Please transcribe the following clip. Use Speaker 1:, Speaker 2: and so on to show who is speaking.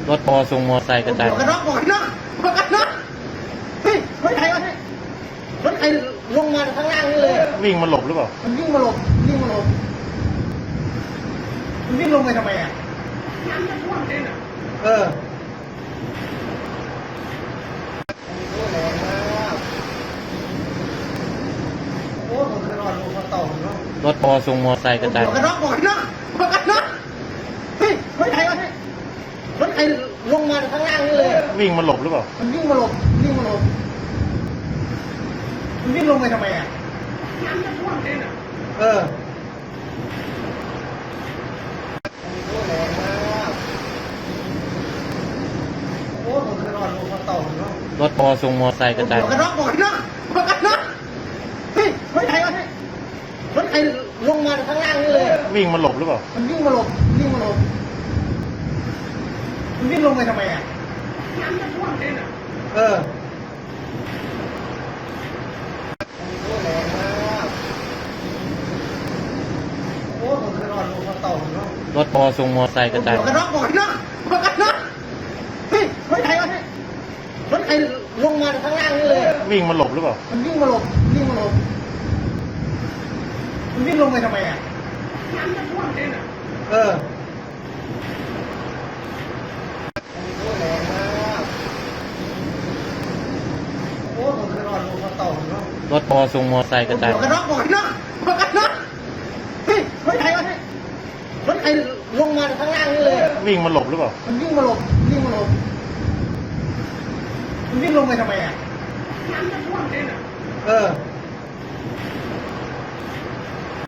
Speaker 1: รถพอส่งมอไซค์กระจาย
Speaker 2: หมวกกันน็อกหมวกกันน็อกหมวกกันน็อกเฮ้ยรถใครวะเนี่ยรถใครลงมาข้างล่างนี่เลย
Speaker 1: วิ่งมาหลบหรือเปล่า
Speaker 2: มันวิ่งมาหลบวิ่งมาหลบมันวิ่งลงไปทำไมอ่ะน้ำจะท่วมเองอ่ะโอ้แรงมากโอ้ผมเคยนอนลงมาต่อเนาะ
Speaker 1: รถพอส่งมอไซค์กระจาย
Speaker 2: หมวกกันน็อกหมวกกันน็อกหมวกกันน็อกเฮ้ยรถใครวะเนี่ยรถใครลงมาข้างล่างนี่เลย
Speaker 1: วิ่งมาหลบหรือเปล่า
Speaker 2: มันวิ่งมาหลบวิ่งมาหลบมันวิ่งลงไปทำไมอ่ะน้ำจะท่วมเองอ่ะโอ้แรงมากโอ้ผมเคยนอนลงมาต่อเนาะ
Speaker 1: รถพอส่งมอไซค์กระจาย
Speaker 2: หมวกกันน็อกหมวกกันน็อกหมวกกันน็อกเฮ้ยรถใครวะเนี่ยรถใครลงมาข้างล่างนี่เลย
Speaker 1: วิ่งมาหลบหรือเปล่า
Speaker 2: มันวิ่งมาหลบวิ่งมาหลบมันวิ่งลงไปทำไมอ่ะน้ำจะท่วมเองอ่ะโอ้แรงมากโอ้ผมเคยนอนลงมาต่อเนาะ หมวกกันน็อกหมวกกันน็อกเฮ้ยรถใครลงมาข้างล่างนี่เลย มันวิ่งมาหลบวิ่งมาหลบมันวิ่งลงไปทำไมอ่ะน้ำจะท่วมเองอ่ะโอ้แรงมากโอ้ผมเคยนอนลงมาต่อเนาะ หมวกกันน็อกหมวกกันน็อกเฮ้ยรถใครลงมาข้างล่างนี่เลย มันวิ่งมาหลบวิ่งมาหลบมันวิ่งลงไปทำไมอ่ะน้ำจะท่วมเองอ่ะโอ้แรงมากโอ้ผมเคยนอนลงมาต่อเนาะ
Speaker 1: รถพอส่งมอไซค์กระจาย
Speaker 2: หมวกกันน็อกหมวกกันน็อกหมวกกันน็อกเฮ้ยรถใครวะเนี่ยรถใครลงมาข้างล่างนี่เลย
Speaker 1: วิ่งมาหลบหรือเปล่า
Speaker 2: มันวิ่งมาหลบวิ่งมาหลบมันวิ่งลงไปทำไมอ่ะน้ำจะท่วมเองอ่ะโอ้แรงมากโอ้ผมเคยนอนลงมาต่อเนาะ
Speaker 1: รถพอส่งมอไซค์กระจาย
Speaker 2: หมวกกันน็อกหมวกกันน็อกหมวกกันน็อกเฮ้ยรถใครวะเนี่ยรถใครลงมาข้างล่างนี่เลย
Speaker 1: วิ่งมาหลบหรือเปล่า
Speaker 2: มันวิ่งมาหลบวิ่งมาหลบมันวิ่งลงไปทำไมอ่ะน้ำจะท่วมเองอ่ะโอ้